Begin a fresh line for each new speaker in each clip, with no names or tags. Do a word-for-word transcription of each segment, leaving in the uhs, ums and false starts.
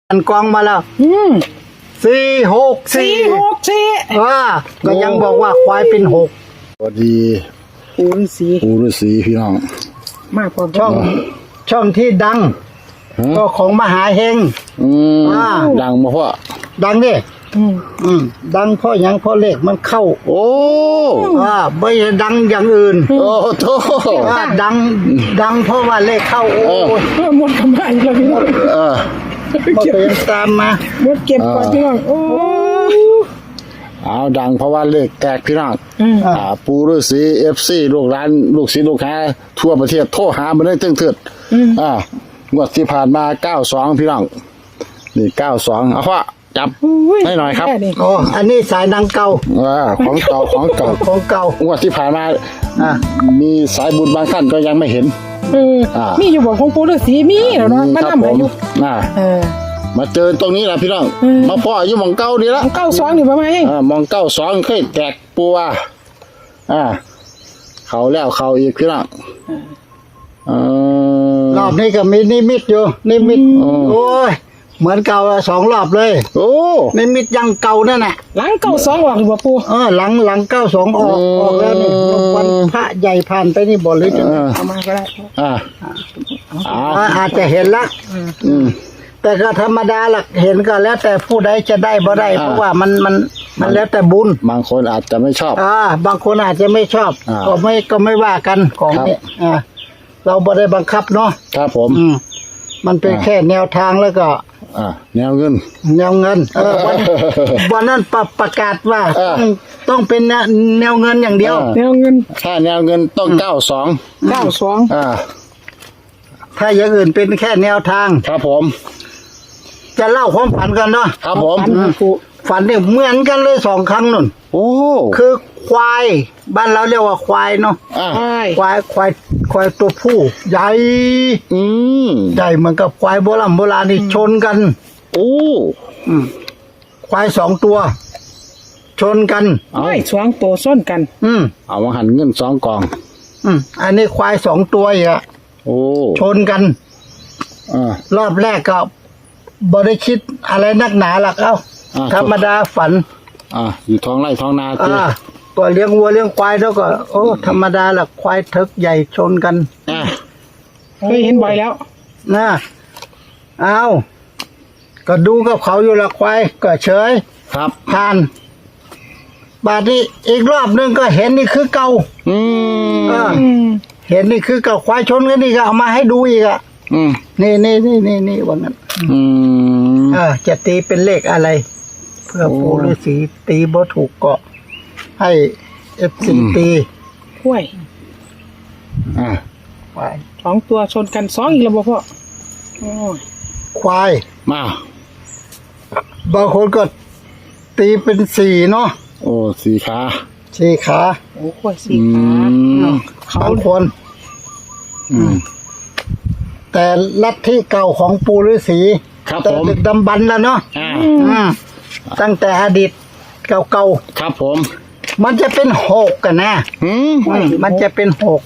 อันกองมาแล้ว
อืม
สี่หกสี่
สี่หกสี่
ว่าก็ยังบอกว่าควายเป็นหก
สวัสดี
ปูฤาษี
ปู่ฤาษีพี่น้อง
มากพอ
ช่องช่องที่ดัง
ฮะ
ก็ของมหาเฮง
อืม
อ่า
ดังมาเพราะ
ดังดิ
อืม
อืมดังเพราะหยังเพราะเลขมันเข้า
โอ้
อ่าไม่ใช่ดังอย่างอื่น
โอ้โถ
ว่าดังดังเพราะว่าเลขเข้าโอ้ย
เออหมดกำไรแล้วพี่น้อง
เออ
มาเป็นตามมา
หมดเก็บก่อนพี่น้องโอ้
เอาดังเพราะว่าเลขแตกพี่น้อง
อืม
อ่าปู่ฤาษี เอฟ ซี ลูกหลานลูกศิษย์ลูกหาทั่วประเทศโทรหามาได้ตึ้งเถิดอ่างวดที่ผ่านมาเก้าสองพี่น้องนี่เก้าสองเอาพ่อจับ
อุ้
ให้หน่อยครับ
แนี่
โอ้อันนี้สายดังเก่า
อ่าของเก่าของเก่า
ของเก่าง
วดที่ผ่านมา
อ่า
มีสายบุญบางท่านก็ยังไม่เห็น
เออ
อ่า
มีอยู่บ่ของปูฤาษีมีแล้วเนาะมา
ครับ
นำ
ผ
ให้
ม
อยู่
อ่า
เออ
มาเจอตรงนี้แหละพี่น้อง
อืม
มาพ่ออยู่หมองเก้านี่ละ
ของเก้าสองนี่ประมาณนี้
อ่ามองเก้าสองเคยแตกปัวอ่า เขาแล้วเขาอีกพี่น้องเออ
รอบนี้ก็มีนิมิตอยู่นิมิต
อืม
โอ้ยเหมือนเก่าสองรอบเลย
โอ้
นิมิตยังเก่านั่นแหละ
หลังเก้าสองออกหรือบ่ปู
เออหลังหลังเก้าสองออกออกแล้วนี่วันพระใหญ่ผ่านไปนี่บ่หรือจะ
เออ
เอามาก็ได้
อ่าเอา
อ่าอาจจะเห็นละ
อืม
แต่ก็ธรรมดาหลักเห็นก็แล้วแต่ผู้ใดจะได้บ่ได้
อ่า
เพราะว่ามันมันมันแล้วแต่บุญ
บางคนอาจจะไม่ชอบ
อ่าบางคนอาจจะไม่ชอบ
อ่า
ก็ไม่ก็ไม่ว่ากันของ
ครับ
นี้อ่าเราบ่ได้บังคับเนาะ
ครับผม
อืมมันเป็น
อ่า
แค่แนวทางแล้วก็
อ่าแนวเงิน
แนวเงินเออวันวันนั้นประประกาศว่า
เออ
ต้องต้องเป็นแนวแนวเงินอย่างเดียว
เออ
แนวเงิน
ถ้าแนวเงินต้องเก้าสอง
เก้าสอง
อ่า
ถ้าอย่างอื่นเป็นแค่แนวทาง
ครับผม
จะเล่าความฝันกันเนาะ
ครับผม
อืมฝันเนี่ยเหมือนกันเลยสองครั้งนุ่น
โอ้
คือควาย บ้านเราเรียกว่าควายเนาะ
อ่า
ใช่
ควายควายควายตัวผู้ ใหญ่
อืม
ใหญ่เหมือนกับควายโบราณโบราณนี่ชนกัน
โอ้
อืมควายสองตัว ชนกัน
ไอ้สองตัวส้นกัน
อืม
เอามาหันเงินสองกอง
อืมอันนี้ควายสองตัวอีกอะ
โอ้
ชนกัน
อ่าร
อบแรกก็บ่ได้คิดอะไรนักหนาหรอกเอ้า
อ่า
ธรรมดาฝัน
อ่าอยู่ท้องไร่ท้องนาเจ้
อ่าก็เลี้ยงวัวเลี้ยงควายแล้วก็ โอ้ธรรมดาหรอกควายทึกใหญ่ชนกัน
อ่า
เคยเห็นบ่อยแล้ว
นะเอาก็ดูกับเขาอยู่ละควายก็เฉย
ครับ
ผ่าน บาดนี้อีกรอบนึงก็เห็นนี่คือเก่า
อืม
เออ
อืม
เห็นนี่คือเก่าควายชนกันนี่ก็เอามาให้ดูอีกอ่ะ
อืม
นี่นี่นี่นี่นี่วันนั้น
อืม
เออจะตีเป็นเลขอะไร เพื่อ
โอ้
ปู่ฤาษีตีบ่ถูกก็ให้เอฟซี
อืม
ตี
กล้วย
อ่า
ควาย
สองตัวชนกันสองอีกแล้วบ่พ่อโอ้ย
ควาย
มา
บางคนก็ตีเป็นสี่เนาะ
โอ้สีขา
สี่ขา
โอ้กล้วยสี
อื
ขาม
บางคน
อืม
แต่ลัทธิเก่าของปู่ฤาษี
ครับ
แต่
ผม
ดึกดำบรรพ์แล้วเนาะ
อ่า
อืมตั้งแต่อดีตเก่า
ครับผม
ๆมันจะเป็นหกกันนะ
อืม
อืมมันจะเป็นหก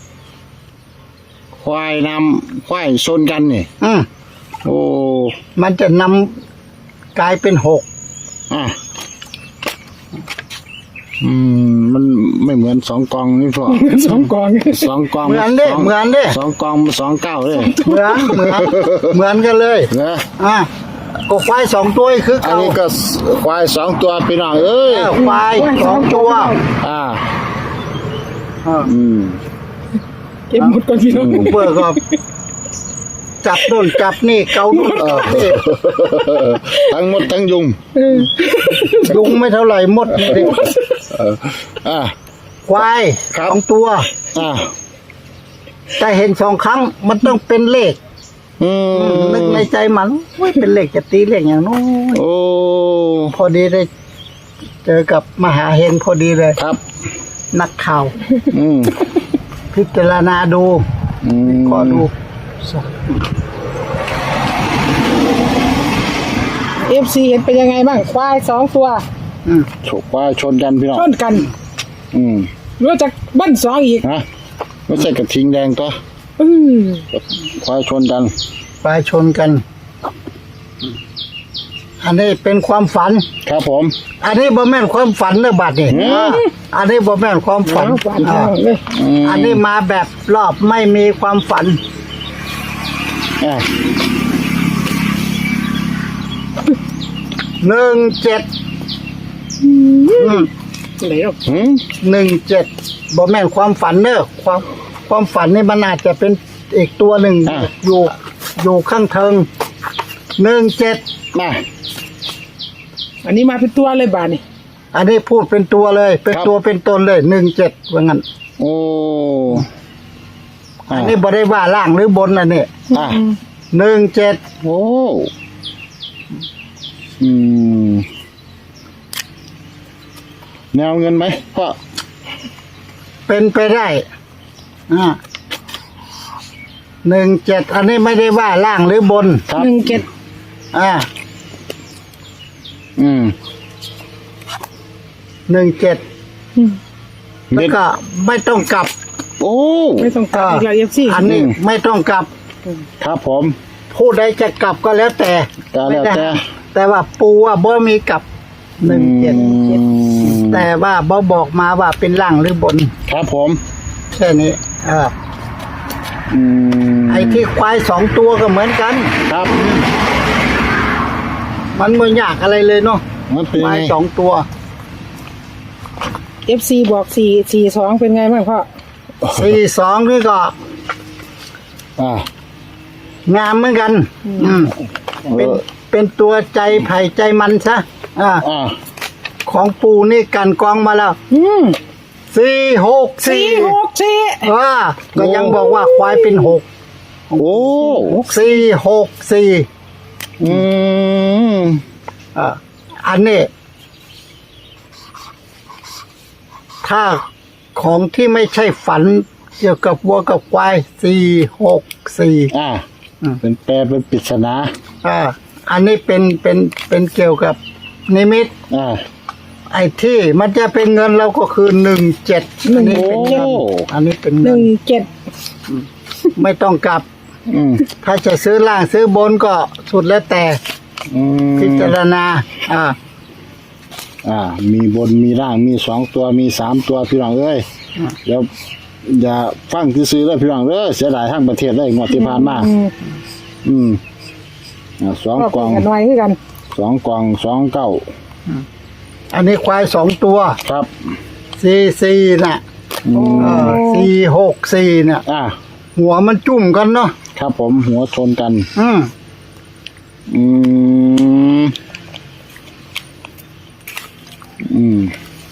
ควายนำควายชนกันนี่
อืม
โอ้
มันจะนำกลายเป็นหก
อ่าอืมมันไม่เหมือนสองกองนี่พ่อ
สองกอง
สองกอง
เหมือนเด้
สง
เหมือนเด้
สองกองสองเก้าเลย
เหมือนเหมือนเหมือนกันเลย
เนอะ
อ่ะก็ควายสองตัวคือ
อัน
เก่า
นี้ก็ควายสองตัวพี่น้องเอ้ย
เออควายสองตัว
อ่า
อ่า
อืม
เก็บหมดก่อนพี่น้อง
เปิดก็จับโน่นจับนี่เกาโน่น
เออ
จับนี่
ทั้งหมดทั้งยุง
เออ
ยุงไม่เท่าไหร่หมดนี่
เอออ่า
ควาย
ครับ
สองตัว
อ่า
แต่เห็นสองครั้งมันต้องเป็นเลข
อืม
นึกในใจมันโอ้ยเป็นเลขจะตีเลขอย่างโน้น
โอ้
พอดีได้ เจอกับมหาเฮงพอดีเลย
ครับ
นักข่าว
อืม
พิจารณาดู
อืม
ขอดู
เอฟซีเห็นเป็นยังไงบ้างควายสองตัว
อืม
ฉกควายชนกันพี่น้อง
ชนกัน
อืม
รู้จักบ้านสองอีก
ฮะไม่ใช่กระทิงแดงตัว
อืม
ควายชนกัน
ควายชนกันอันนี้เป็นความฝัน
ครับผม
อันนี้บ่แม่นความฝันเด้อบัดนี่
อืม
อ่าอันนี้บ่แม่นความฝัน
เอาฝัน
อ่า
เอาเลย
ม
อันนี้มาแบบรอบไม่มีความฝัน
อ่า
หนึ่งเจ็ด
ไหนหรอก
หืม
หนึ่งเจ็ดบ่แม่นความฝันเด้อความความฝันนี่มันอาจจะเป็นอีกตัวหนึ่งอยู่อยู่ข้างเทิงหนึ่งเจ็ด
มา
อันนี้มาเป็นตัวเลยบาทนี่
อันนี้พูดเป็นตัวเลย เป็นตัวเป็นตนเลยหนึ่งเจ็ดว่างั้น
โอ้อ่า
อันนี้บ่ได้ว่าล่างหรือบนอันนี้
อ่า
หนึ่งเจ็ด
โอ้อืมแนวเงินไหมพ่อ
เป็นไปได้อ่าหนึ่งเจ็ดอันนี้ไม่ได้ว่าล่างหรือบน
ครับ
หนึ่งเจ็ด
อ่า
อืม
หนึ่งเจ็ด
เด็
แล้ว
ด
ก็ไม่ต้องกลับ
โอ้
ไม่ต้องกลับอีกแล้วเอฟซี
อันนี้
อืม
ไม่ต้องกลับ
ครับผม
ผู้ใดจะกลับก็แล้วแต่
ก็แล้วแต่
ไม่ได้แต่ว่าปูว่าบ่มีกลับหนึ่งเจ็ด
อืม
แต่ว่าบ่บอกมาว่าเป็นล่างหรือบน
ครับผม
แค่นี้เออ
อืม
ไอ้ที่ควายสองตัวก็เหมือนกัน
ครับ
มันไม่ยากอะไรเลยเนาะ
มันเป็น
ควาย
ไง
สองตัว
เอฟซีบอกสี่สี่สองเป็นไงบ้างพ่อ
สี่สองนี่ก็
อ่าง
ามเหมือนกัน อืม
เอ
เป็น
อ
เป็นตัวใจไผ่ใจมันซะอ่า
อ่า
ของปูนี่กันกองมาแล้ว
อืม
สี่หก
สี่
สี่
หกสี่
ว่าก็ยังบอกว่าควายเป็นหก
โอ้
สี่หกสี่
อืม
อ่าอันนี้ ถ้าของที่ไม่ใช่ฝันเกี่ยวกับวัวกับควายสี่หกสี่
อ่า
อืม
เป็นแปลเป็นปริศนา
อ่าอันนี้เป็นเป็นเป็นเกี่ยวกับนิมิต
อ่า
ไอ้ที่มันจะเป็นเงินเราก็คือหนึ่งเจ็ดอันนี้เป็นเงิน
โอ้
อันนี้เป็น
ห
เงิ
นึ่
น
งเจ็ด
ไม่ต้องกลับ
อืม
ถ้าจะซื้อล่างซื้อบนก็สุดแล้วแต่
อืม
พิจารณา อ่า
อ่า มีบนมีล่างมีสองตัวมีสามตัวพี่น้องเอ้ย
อ่า
เดี๋ยวอย่าฟังที่ซื้อเลยพี่น้องเอ้ยเสียดายทั้งประเทศเลยงวดที่ผ่านมา
อืม
อืมอ่าสอง
ก็
ก
เป็
ล่
น
อง
กันไว้คือกัน
สองกล่องสองเก้า
อันนี้ควายสองตัว
ครับ
สี่สี่น่ะ
อืม
เออสี่หกสี่เนี่ย
อ่า
หัวมันจุ่มกันเนาะ
ครับผมหัวชนกัน
อืม
อืม อืม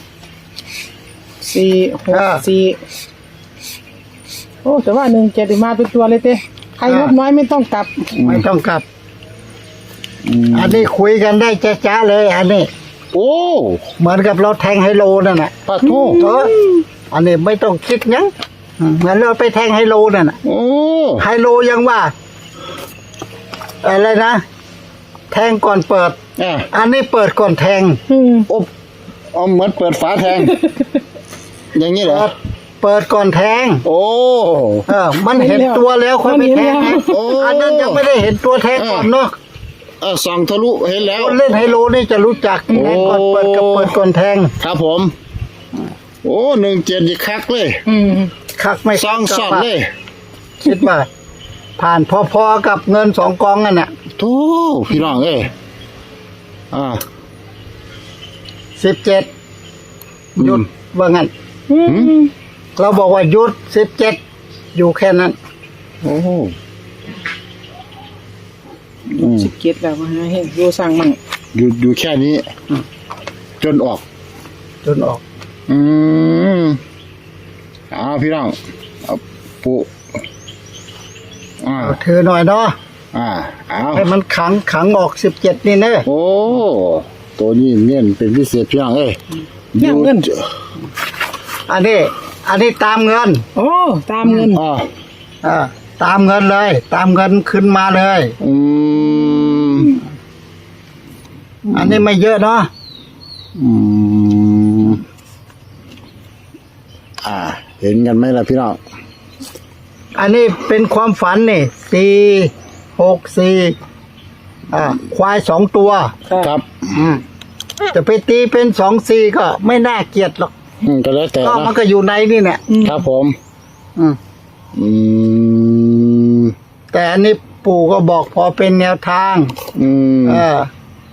สี่หกสี่โอ้แต่ว่าหนึ่งเจ็ดมาเป็นตัวเลยเต้ใครงบน้อยไม่ต้องกลับ
ไม่ต้องกลับ
อืม
อันนี้คุยกันได้จ้าๆเลย อันนี้
โอ้
เหมือนกับเราแทงไฮโลนั่นแหละ
ปะโท
เอออันนี้ไม่ต้องคิดหยังอืมเหมือนเราไปแทงไฮโลนั่นน่ะ
โอ้
ไฮโลยังว่า อะไรนะ แทงก่อนเปิด
อ่ะ
อันนี้เปิดก่อนแทง
อืม
อบเอาเหมือนเปิดฝาแทง อย่างนี้เหรอ
เปิดเปิดก่อนแทง
โอ้
เออ มันเห็นตัวแล้วค่อยไปแทงนะ
โอ้
อันนั้นยังไม่ได้เห็นตัวแทงก่อนเนาะ
เออส่องทะลุเห็นแล้ว
คนเล่นไฮโลนี่จะรู้จักแทงก่อนเปิดกับเปิดก่อนแทง
ครับผม โอ้หนึ่งเจ็ดอีกคักเลย
อืม
คักไม่
ซองสอดเลย
คิดว่า ผ่านพอๆกับเงินสองกองนั่นน่ะ
โธ่พี่น้องเอ้ยอ่า
สิบเจ็ดหยุด
อืม
ว่างั้น
อืม
เราบอกว่าหยุดสิบเจ็ดอยู่แค่นั้น
โอ้อืม
สิบเจ็ดแล้วมาให้ดูสั่งมั่ง
อยู่อยู่แค่นี้ จนออก
จนออก
อืมเอาพี่น้องเอาปุอ่า
เอาถือหน่อยเนาะ
อ่าเอา
ให้มันขังขังออกสิบเจ็ดนี่เนอะ
โอ้ ตัวนี้เน้นเป็นพิเศษพี่น้องเอ้ย
เนี่ยเงิน
อันนี้ อันนี้ตามเงิน
โอ้ตามเงิน
อ่า
อ่าตามเงินเลย ตามเงินขึ้นมาเลย
อืม
อันนี้ไม่เยอะเนาะ
อืมอ่า เห็นกันไหมล่ะพี่น้อง
อันนี้เป็นความฝันนี่สี่หกสี่
อ
อ่าควายสองตัว
ครับ
อืมจะไปตีเป็นสองสี่ก็ไม่น่าเกลียดหรอก
อืมก็แล้วแต่
ก็มัน
นะ
ก็อยู่ในนี่เนี่ย
ครับผม
อืม
อืม
แต่อันนี้ปู่ก็บอกพอเป็นแนวทาง
อืม
เออ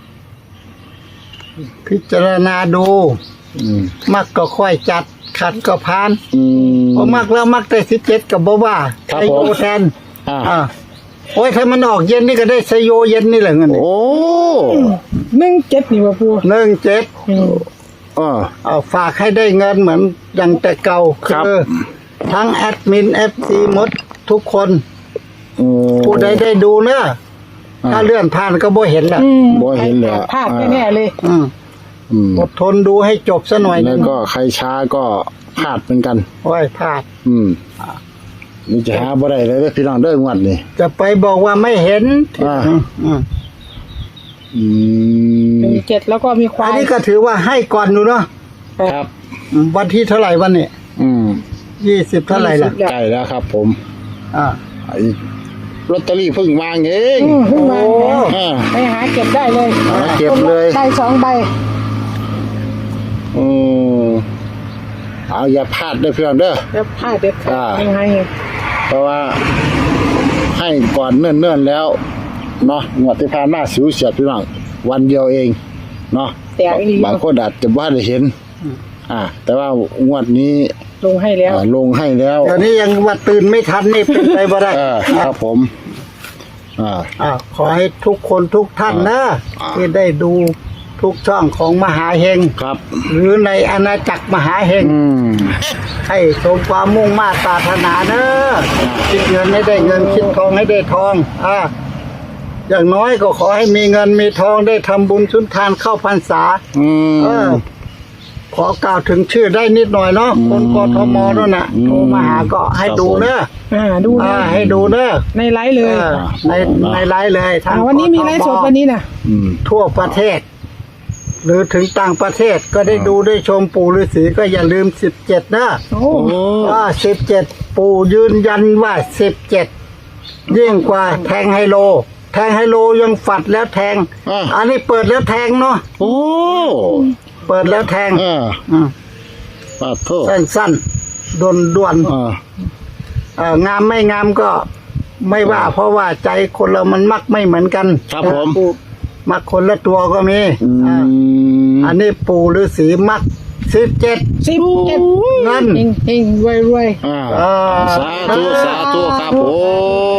พิจารณาดู
อืม
มักก็ค่อยจัด ขัดก็พาน
อืม
พอมักแล้วมักได้สิบเจ็ดกับบ่ว่า
ครับ
ไซโย
ผม
แทน
อ่า
อ่าโอ้ยถ้ามันออกเย็นนี่ก็ได้ไซโยเย็นนี่แหละเงิน
โอ้
หนึ่งเจ็ดนี่ว่าปู
หนึ่งเจ็ด
อืม
อ่า
เอาฝากให้ได้เงินเหมือนอย่างแต่เก่า
ครับ
คือทั้งแอดมินเอฟซีหมดทุกคน
อืม
ผู้ใดได้ดูเนอะ
อ่า
ถ้าเลื่อนผ่านก็บ่เห็นแหละ
อืม
บ่เห็นเลยอะ
พลาดแน่ๆเลย
อืม
อืม
อดทนดูให้จบซะหน่อยห
แล้
นึ
ว
ง
ก็ใครช้าก็พลาดเหมือนกัน
โอ้ยพลาด
อืมนี่จะหาบ่ได้เลยเด้อพี่น้องเด้องวดนี่
จะไปบอกว่าไม่เห็น
อ่า
อืมอืม
อืม
หนึ่งเจ็ดแล้วก็มีควา
อัน
ย
นี้ก็ถือว่าให้ก่อนอยู่เนาะ
ครับ
อืมวันที่เท่าไหร่วันนี้
อืม
ยี่สิบเท่าไหร่ล่ะ
ใกล้แล้วครับ ผม
อ่า
ไอ้ลอตเตอรี่เพิ่งวางเอง
อืมขึ้นมา
โอ้
อ่า
ไปหาเก็บได้เลย
หาเก็บเลย
ใบสองใบ
อืมเอาอย่าพลาดเด้อพี่น้องเด้อ
แล้วพลาดเด็ดขา
อ่า
ดยังไง
เพราะว่าให้ก่อนเนิ่นๆแล้วเนาะงวดที่ผ่านมาสิวเฉียดพี่น้องวันเดียวเองเนาะ
แต่อีหลี
บางคนอาจจะบ่ได้เห็น อ่า แต่ว่างวดนี้
ลงให้แล้ว
อ่าลงให้แล้ว
เดี๋ยวนี้ยังว่าตื่นไม่ทันนี่เป็นไปบ่ได้
เออครับผม อ่า
อ่าขอให้ทุกคนทุกท่านนะ
อ่า
ที่ได้ดูทุกช่องของมหาเฮง
ครับ
หรือในอาณาจักรมหาเฮง
อืม
ให้สมความมุ่งมาตรปรารถนาเนอะคิดเงินให้ได้เงินคิดทองให้ได้ทอง อ่า อย่างน้อยก็ขอให้มีเงินมีทองได้ทำบุญสุนทานเข้าพรรษา
อืม
เออ ขอกล่าวถึงชื่อได้นิดหน่อยเนาะคนกทมนั่นน่ะ
อืม
โทรมาหาก็ให้ดูเนอะ
อ่าดูเล
อ่าย ให้ดูเนอะ
ในไลฟ์เลย
เออในในไลฟ์เลยทาง
อ่าวันนี้มีไลฟ์สดวันนี้นะ
อืม
ทั่วประเทศ หรือถึงต่างประเทศก็ได้ดูได้ชมปู่ฤาษีก็อย่าลืมสิบเจ็ดนะ
โอ้
โอ้
ว่าสิบเจ็ดปู่ยืนยันว่าสิบเจ็ดยิ่งกว่าแทงไฮโล แทงไฮโลยังฝัดแล้วแทง
อ่า
อันนี้เปิดแล้วแทงเนาะ
โอ้
เปิดแล้วแทง
อ่า
อืม
ปาโทษ
สั้นๆด่วนด่วนๆ
อ่า
เอ่องามไม่งามก็ไม่ว่า เพราะว่าใจคนเรามันมักไม่เหมือนกัน
ครับผม
มักคนละตัวก็มี
อื
อ่าม อันนี้ปู่ฤาษีมักสิบเจ็ด
สิบเจ็ด
เงิน
เฮงเฮงรวยรวย
อ่า
อ่า
สาธุสาธุครับผม